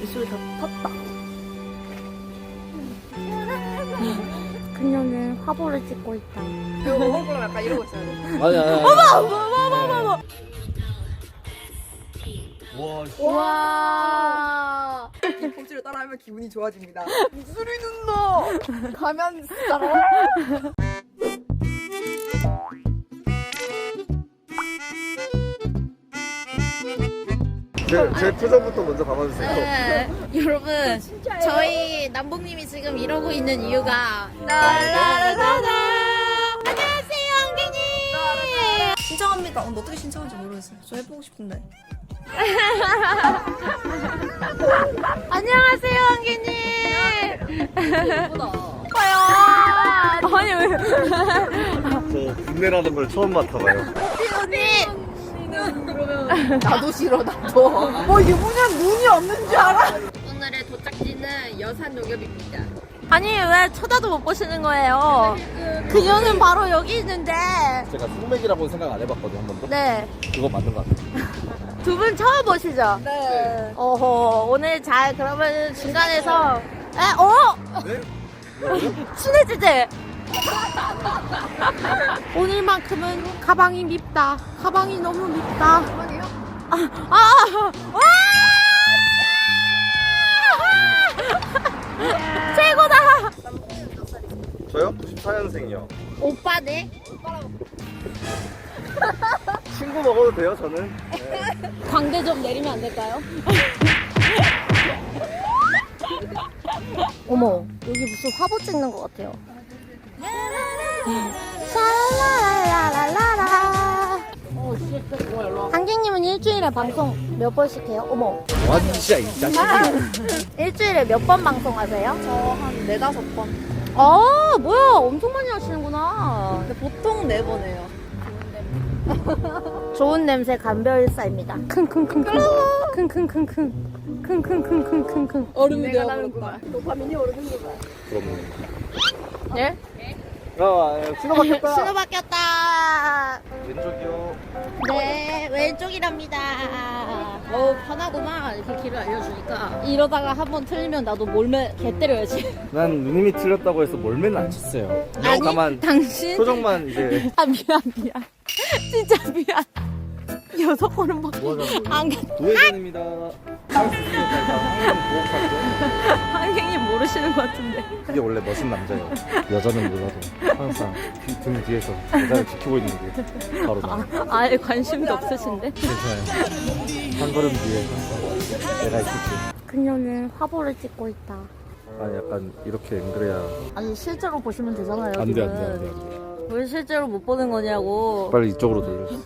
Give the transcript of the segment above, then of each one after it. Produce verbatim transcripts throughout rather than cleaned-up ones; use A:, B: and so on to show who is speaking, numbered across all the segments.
A: 미술 다 탔다. 그녀는 화보를 찍고 있다.
B: 이거 먹을 거면 약간 이러고 있어야 돼.
C: 아니 아니 아니.
A: 어머 어머 어머 어머.
C: 와.
A: 와.
B: pom치를 따라하면 기분이 좋아집니다. 미술이 눈너 가면 따라.
C: 제, 제 표정부터 먼저 봐봐주세요.
A: 네, 여러분 저희 남봉님이 지금 이러고 있는 이유가 라라라라라. 안녕하세요 한기님.
B: 신청합니다. 어, 너 어떻게 신청한지 모르겠어요. 저 해보고 싶은데.
A: 안녕하세요 한기님.
B: 예쁘다.
A: 아니 왜?
C: 저 국내라는 걸 처음 맡아봐요.
A: 언니.
B: 그러면 나도 싫어 나도. 뭐 이게 뭐냐 눈이 없는 줄 알아?
A: 오늘의 도착지는 여산 농협입니다. 아니 왜 쳐다도 못 보시는 거예요? 그녀는 바로 여기 있는데.
C: 제가 숙맥이라고는 생각 안 해봤거든요, 한 번도.
A: 네.
C: 그거 맞는 것 같아요.
A: 두 분 처음 보시죠?
B: 네.
A: 어허 오늘 잘 그러면 중간에서 에? 어?
C: 네?
A: 친해지지? 오늘만큼은 가방이 밉다. 가방이 너무 밉다.
B: 가방이요?
A: 아, 아, 와! 최고다.
C: 저요? 구십사 년생이요.
A: 오빠네.
C: 친구 먹어도 돼요, 저는? 네.
A: 광대 좀 내리면 안 될까요? 어머, 여기 무슨 화보 찍는 것 같아요. 샤라라라라라. 한객님은 일주일에 방송 몇 번씩 해요? 어머.
C: 뭐하는 짓이야, 이 자식이.
A: 일주일에 몇 번 방송하세요?
B: 저 한 네다섯 번.
A: 아, 뭐야. 엄청 많이 하시는구나.
B: 근데 보통 네 번 해요.
A: 좋은 냄새 감별사입니다. 킁킁킁킁. 킁킁킁킁. 킁킁킁킁킁.
B: 얼음이 내가 나는구만. 도파민이 오르는구만.
C: 그럼.
A: 네?
C: 아, 신호 바뀌었다.
A: 신호 바뀌었다.
C: 왼쪽이요.
A: 네, 왼쪽이랍니다. 어, 편하구만. 이렇게 길을 알려주니까. 이러다가 한번 틀리면 나도 몰매 개 때려야지.
C: 난 누님이 틀렸다고 해서 몰매는 안 쳤어요.
A: 아니,
C: 다만
A: 당신.
C: 표정만 이제.
A: 아, 미안, 미안. 진짜 미안. 여섯 번은 막. 안 가.
C: 도회전입니다. 할수 있으니까 일단 항상 보호할게요.
A: 한객님 모르시는 것 같은데.
C: 이게 원래 멋진 남자예요. 여자는 몰라도 항상 뒤, 등 뒤에서 여자를 지키고 있는 게 바로 나.
A: 아예 관심도 없으신데?
C: 괜찮아요. 한 걸음 뒤에 항상 내가 있을게.
A: 그녀는 화보를 찍고 있다.
C: 아니 약간 이렇게 앵그래야.
A: 아니 실제로 보시면 되잖아요.
C: 안 돼,
A: 지금.
C: 안 돼, 안 돼, 안 돼.
A: 왜 실제로 못 보는 거냐고.
C: 빨리 이쪽으로 돌려줘.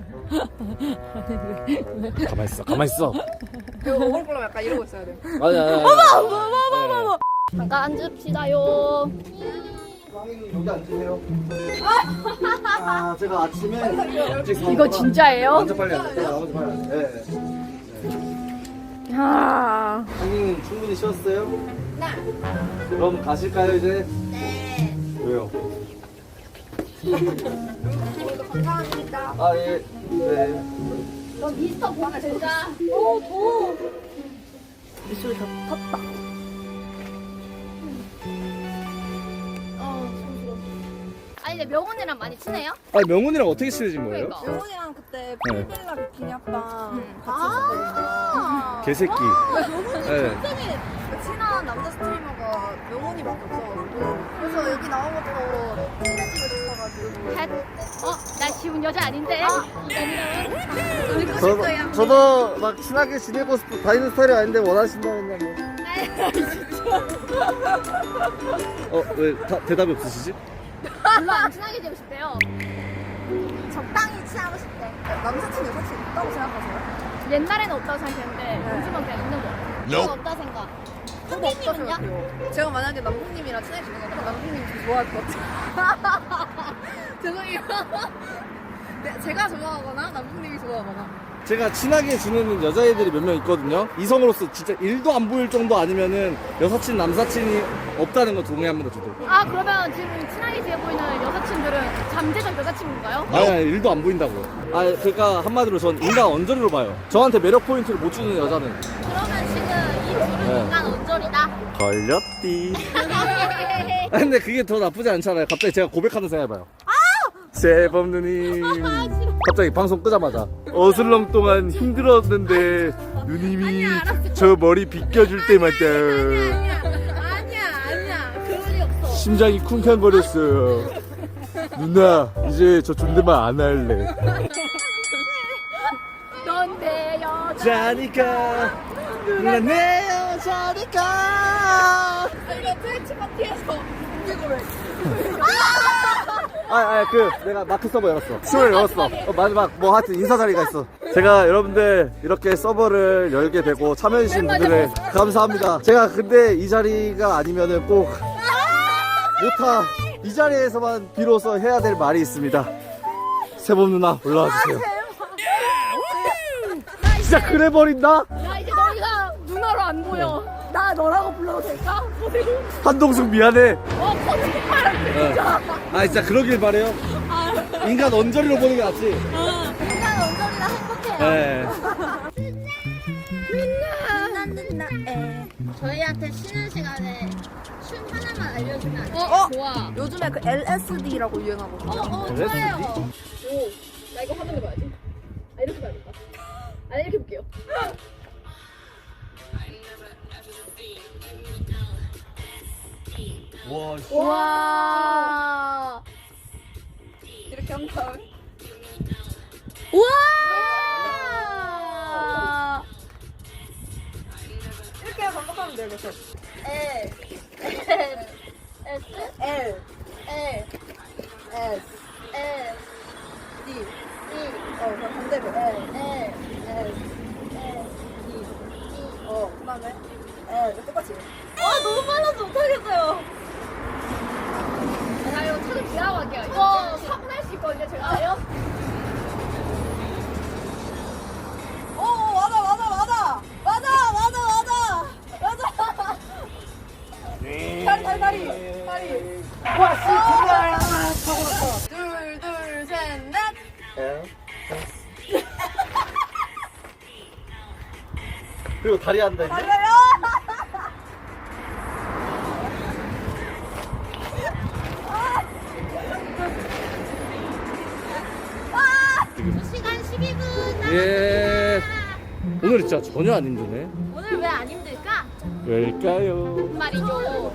C: 가만 있어, 가만 있어.
B: 이거 먹을 거면 약간 이러고 있어야 돼.
C: 아니 아니. 어머,
A: 어머 어머 어머. 잠깐 앉읍시다요.
C: 왕이님 여기 앉으세요. 아 제가 아침에 일찍
A: 이거 진짜예요?
C: 먼저 빨리 앉으세요. 나머지 빨리 앉으세요. 네.
A: 아.
C: 왕이님 충분히 쉬었어요? 네. 그럼 가실까요 이제? 네. 왜요?
B: 오늘도 감사합니다.
C: 아 예. 네.
A: 너 미스터 보나 진짜. 오 더워. 미술 다 탔다. 어 손스러워. 아니 근데 명훈이랑 많이 친해요?
C: 아니 명훈이랑 어떻게 친해진 거예요?
A: 그러니까.
B: 명훈이랑 그때
C: 네.
B: 필빌라 비키니 합방 같이
A: 아.
C: 개새끼. 네.
B: 있었거든요. 친한 남자 스트리머가 명훈이밖에 없어가지고 그래서 여기 나온 것도 친해지고 싶어가지고
A: 헷. 어? 나 지훈 여자 아닌데?
B: 놀고
C: 저도,
B: 싶어요.
C: 저도 막 친하게 지내고 싶, 다니는 스타일이 아닌데 원하신다면 뭐. 어, 왜 다, 대답이 없으시지?
A: 별로 안 친하게 되고 싶대요.
B: 적당히 친하고 싶대. 남사친 여사친 있다고 생각하세요?
A: 옛날에는 없다고 생각했는데 요즘은 그냥 있는 거 같아요.
C: Nope.
A: 없다 생각.
B: 저도 없다
A: 선생님은요?
B: 생각해요. 제가 만약에 남궁님이랑 친해지는 거면 남궁님 좀 좋아할 것 같아요. 죄송해요. 네, 제가 좋아하거나 남궁님이 좋아하거나.
C: 제가 친하게 지내는 여자애들이 몇 명 있거든요. 이성으로서 진짜 일도 안 보일 정도 아니면은 여사친, 남사친이 없다는 거 동의합니다, 저도.
A: 아 그러면 지금 친하게 지내 보이는 여사친들은 잠재적 여자친구인가요?
C: 아니, 아니, 일도 안 보인다고요. 아, 그러니까 한마디로 전 인간 언저리로 봐요. 저한테 매력 포인트를 못 주는 여자는.
A: 그러면 지금 이 둘은
C: 걸렸디. 아, 근데 그게 더 나쁘지 않잖아요. 갑자기 제가 고백하는 생각 해봐요. 제법 누님. 갑자기 방송 끄자마자 어슬렁 동안 힘들었는데 누님이 저 머리 빗겨줄 때마다
B: 아니야 아니야 그런 일 없어.
C: 심장이 쿵쾅거렸어요. 누나 이제 저 존댓말 안 할래.
B: 넌 내 여자.
C: 자니까 누나 내 여자니까.
B: 이거 트위치 파티에서 이거를.
C: 아, 아, 그 내가 마크 서버 열었어. 수요일 열었어. 어, 마지막 뭐 하여튼 인사 자리가 있어. 제가 여러분들 이렇게 서버를 열게 되고 참여해주신 분들에 감사합니다. 제가 근데 이 자리가 아니면은 꼭 못하 이 자리에서만 비로소 해야 될 말이 있습니다. 세범 누나 올라와 주세요. 진짜 그래 버린다.
B: 나 이제 너희가 누나로 안 보여. 나 너라고 불러도 될까?
C: 한동숙 미안해.
B: 어 거짓말할게 진짜.
C: 아 진짜 그러길 바래요. 인간 언저리로 보는 게 낫지.
B: 인간 언저리나 행복해요.
C: 네.
B: 누나 누나 에.
A: 저희한테 쉬는 시간에 춤 하나만 알려주면 안 돼?
B: 어?
A: 좋아.
B: 요즘에 그 엘에스디라고 유행하거든요.
A: 어, 어,
C: 좋아요.
B: 오, 나 이거 화면에 봐야지. 아 이렇게 봐야겠다. 아 이렇게 볼게요.
C: 와.
B: 와. 이렇게 한 다음에.
A: 우와!
B: 이렇게 반복하면 돼요, 계속. L,
A: S?
B: L, L, S,
A: S,
B: D.
A: E,
B: 어, 그럼 반대로 L,
A: L,
B: S,
A: S,
B: D.
A: E.
B: 어, 그다음에 L. 똑같이.
A: 아, 너무 빨라서 못하겠어요.
B: 자, 이거 차를 지나고 갈게요. 이거 사고 날 수 있거든요, 제가. 아요? 오, 맞아, 맞아, 맞아. 맞아, 맞아, 맞아. 맞아. 다리, 다리, 다리. 다리.
C: 와, 씨, 정말.
B: 둘, 둘, 셋, 넷.
C: 그리고 다리 한다. 이제.
B: 달려요.
A: 두 시간 십이 분 남았습니다.
C: 예. 오늘 진짜 전혀 안 힘드네.
A: 오늘 왜 안 힘들까?
C: 왜일까요?
A: 말이죠.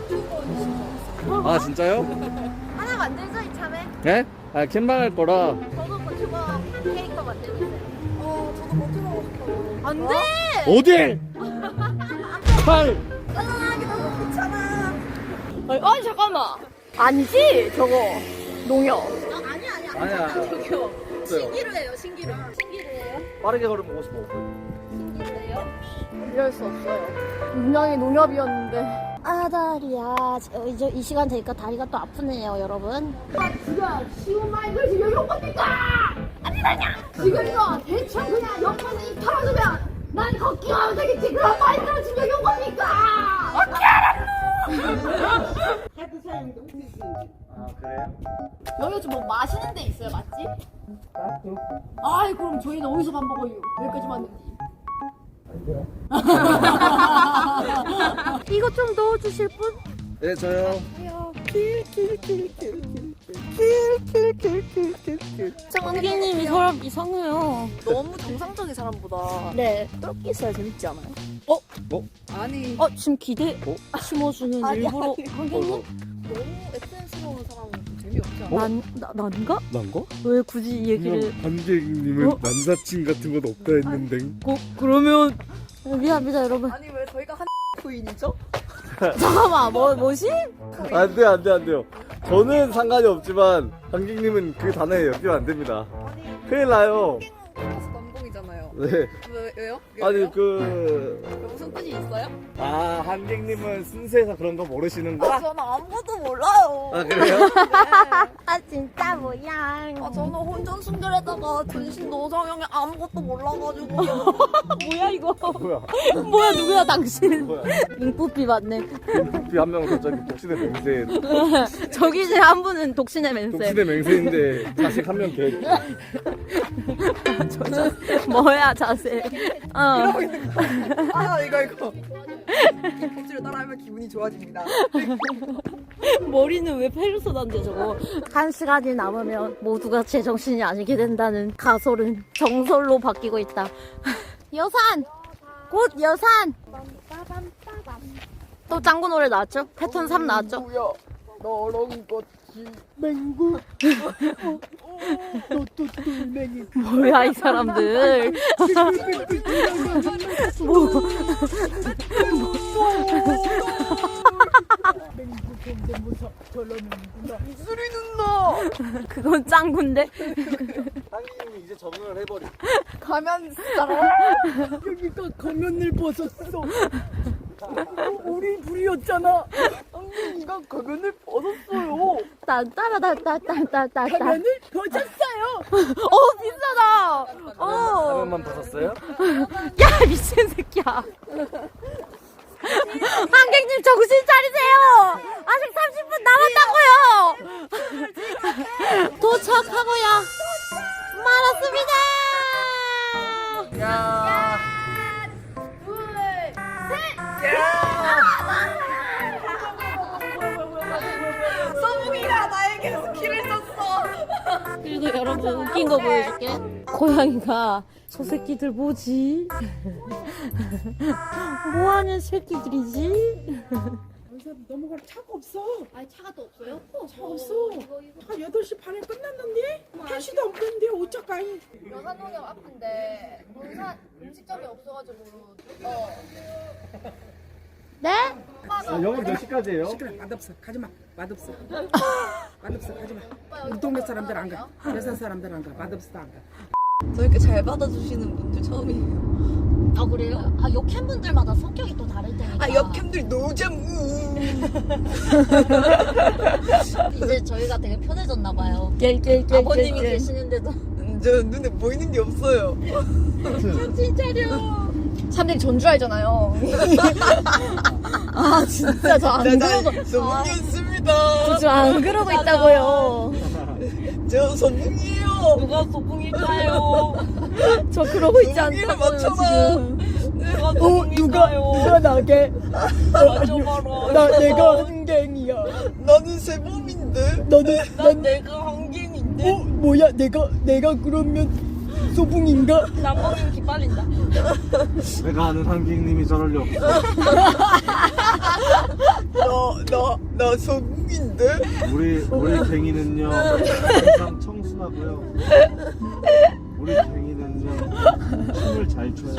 C: 아 진짜요?
A: 하나 만들죠, 이참에?
C: 네? 아 캠방할 거라.
A: 저도 버튜버 캐릭터 만들고 있어요.
B: 어, 저도 버티고 싶어요.
A: 안 돼!
C: 어딜? 팔.
B: 짜증나게 너무 귀찮아.
A: 아니, 아니, 잠깐만. 아니지? 저거. 농협.
B: 아, 아니야, 아니야.
C: 아니야.
A: 저기요.
C: 없어요.
B: 신기루예요, 신기루. 신기루예요?
C: 빠르게 걸으면 오고 싶어.
B: 신기루예요?
A: 이럴 수 없어요. 분명히 농협이었는데. 아, 다리야. 저, 이제 이 시간 되니까 다리가 또 아프네요, 여러분.
B: 지가 쉬운 마인드를 지금 용건니까 아니라냐? 지금 이거 대충 그냥 용건에 입 털어두면 난 걷기만 하면 되겠지. 그런 마인드로 지금 용건니까 어떻게 알았노?
C: 아 그래요?
B: 여기 좀 뭐 마시는 데 있어요, 맞지? 아이 그럼 저희는 어디서 밥 먹어요? 여기까지 왔는지.
A: 이거 좀 넣어주실 분?
C: 네 저요.
A: 정기님이 사람 이상해요.
B: 너무 정상적인 사람보다
A: 네.
B: 똘끼 있어야 재밌지 않아요?
C: 어?
B: 아니
A: 어, 지금 기대
C: 어?
A: 심어주는
B: 아니,
A: 일부러
B: 아니.
A: 한경님?
B: 너무 에센스러운 사람은 좀 재미없지 않아?
A: 난, 나, 난가?
C: 난가?
A: 왜 굳이 이 얘기를.
C: 관객님은
A: 어?
C: 남사친 같은 건 없다 했는데.
A: 고, 그러면. 미안합니다, 여러분.
B: 아니 왜 저희가 한 부인이죠?
A: 잠깐만, 뭐, 뭐지?
C: 안돼 안돼 안돼요. 저는 상관이 없지만 관객님은 그 단어에 엮이면 안 됩니다.
B: 아니
C: 큰일 나요.
B: 플러스 남봉이잖아요.
C: 네.
B: 왜, 왜요?
C: 아니
B: 왜요?
C: 그.
B: 그 무슨 뜻이 있어요?
C: 아 한객님은 순수해서 그런 거
B: 아,
C: 모르시는구나.
B: 저는 아무것도 몰라요.
C: 아 그래요?
B: 네.
A: 아, 진짜 뭐야.
B: 아, 저는 혼전 순결에다가 전신 노성형에 아무것도 몰라가지고.
A: 뭐야, 이거.
C: 뭐야?
A: 뭐야, 누구야, 당신.
C: 뭐야?
A: 잉뿌삐 맞네.
C: 비 한 명은 갑자기 독신의 맹세.
A: 저기 중에 한 분은 독신의 맹세.
C: 독신의 맹세인데 자식 한 명 계획.
A: 뭐야, 자세. 어.
B: 아, 이거, 이거.
D: 법칙을 따라하면 기분이 좋아집니다.
A: 머리는 왜 페르소나인데 저거. 한 시간이 남으면 모두가 제정신이 아니게 된다는 가설은 정설로 바뀌고 있다. 여산! 곧 여산! 또 짱구 노래 나왔죠? 패턴 삼 나왔죠?
D: 뭐야? 너랑 같이 맹구. 너또 똘맹이.
A: 뭐야 이 사람들. 뭐.
D: 맹구 경대모사 저러는구나. 수리 누나.
A: 그건 짱구인데.
C: 상인님이 이제 적응을 해버리.
D: 가면 여기가 가면을 벗었어. 우리 불이었잖아. 상민이가 가면을 벗었어요.
A: 딴따라따따따따따.
D: 가면을 벗었어요.
A: 어 비싸다. 어.
C: 화면만 벗었어요?
A: 야 미친 새끼야. 한객님 정신 차리세요. 아직 삼십 분 남았다고요. 도착하고요. 말았습니다.
C: 야.
D: 서붕이가 나에게 길을 썼어.
A: 그리고 여러분 웃긴 거 보여줄게. 고양이가 저 새끼들 뭐지? 뭐하는 새끼들이지?
D: 넘어갈 차가 없어.
B: 아니 차가 또 없어요?
D: 차 없어. 한 여덟 시 반에 끝났는데 택시도 없는데 어쩌까이.
B: 여산동역 앞인데 본산 음식점이 없어가지고 어
A: 네?
C: 영업 몇 시까지예요?
D: 시끄러. 맛없어. 가지마. 맛없어. 맛없어. 가지마. 우리 동네 사람들 안 가. 여산 사람들 안 가. 맛없어 안 가.
E: 저렇게 잘 받아주시는 분들 처음이에요.
A: 아 그래요? 아 역캠 분들마다 성격이 또 다를 테니까.
E: 아, 역캠들 노잼.
A: 이제 저희가 되게 편해졌나 봐요.
E: 깰깰깰.
A: 아버님이 계시는데도
E: 저 눈에 보이는 게 없어요.
A: 정신 차려.
B: 사람들이 전주 알잖아요.
A: 아 진짜 저 안 그러고
E: 소풍이었습니다.
A: 저 안 그러고 있다고요.
E: 저 소풍이에요. 누가 소풍일까요?
A: 저 그러고 있지
E: 소풍이를
A: 않다고요
E: 맞춰봐.
A: 지금.
E: 내가
D: 어 누가
E: 소풍일까요?
D: 누가 나게?
E: 맞춰봐라.
D: 나 내가 한갱이야.
E: 나는 세범인데.
D: 너는
E: 난
D: 난
E: 내가 한갱인데.
D: 어 뭐야 내가 내가 그러면 소붕인가?
E: 남봉님 기빨린다.
C: 내가 아는 상객님이 저럴 리 없어.
E: 나, 나, 나 소풍인데?
C: 우리 우리 갱이는요 항상 청순하고요. 우리 갱이는요 춤을 잘 춰요.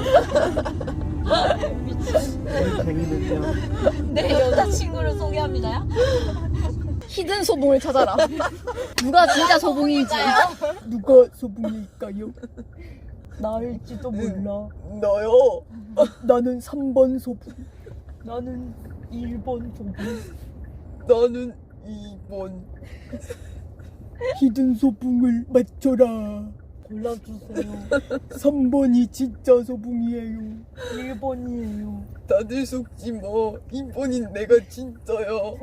C: 우리 갱이는요
A: 내 여자친구를 소개합니다.
B: 히든 소봉을 찾아라. 누가 진짜 소봉인지.
D: 누가 소붕일까요? 나일지도 몰라.
E: 너요.
D: 나는 삼 번 소붕. 나는 일 번 소붕.
E: 나는 이 번.
D: 히든 소붕을 맞춰라.
E: 골라주세요.
D: 삼 번이 진짜 소붕이에요. 일 번이에요.
E: 다들 속지 마. 이 번인 내가 진짜요.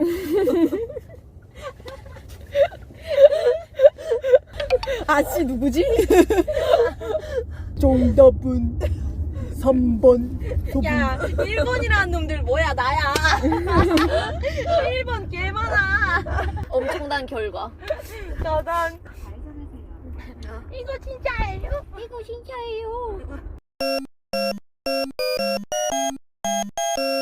D: 아씨 누구지? 정답은 삼 번 소붕.
A: 야 일 번이라는 놈들 뭐야 나야. 일 번 개 많아. 엄청난 결과.
E: 나단.
A: 이거 진짜예요? 이거 진짜예요?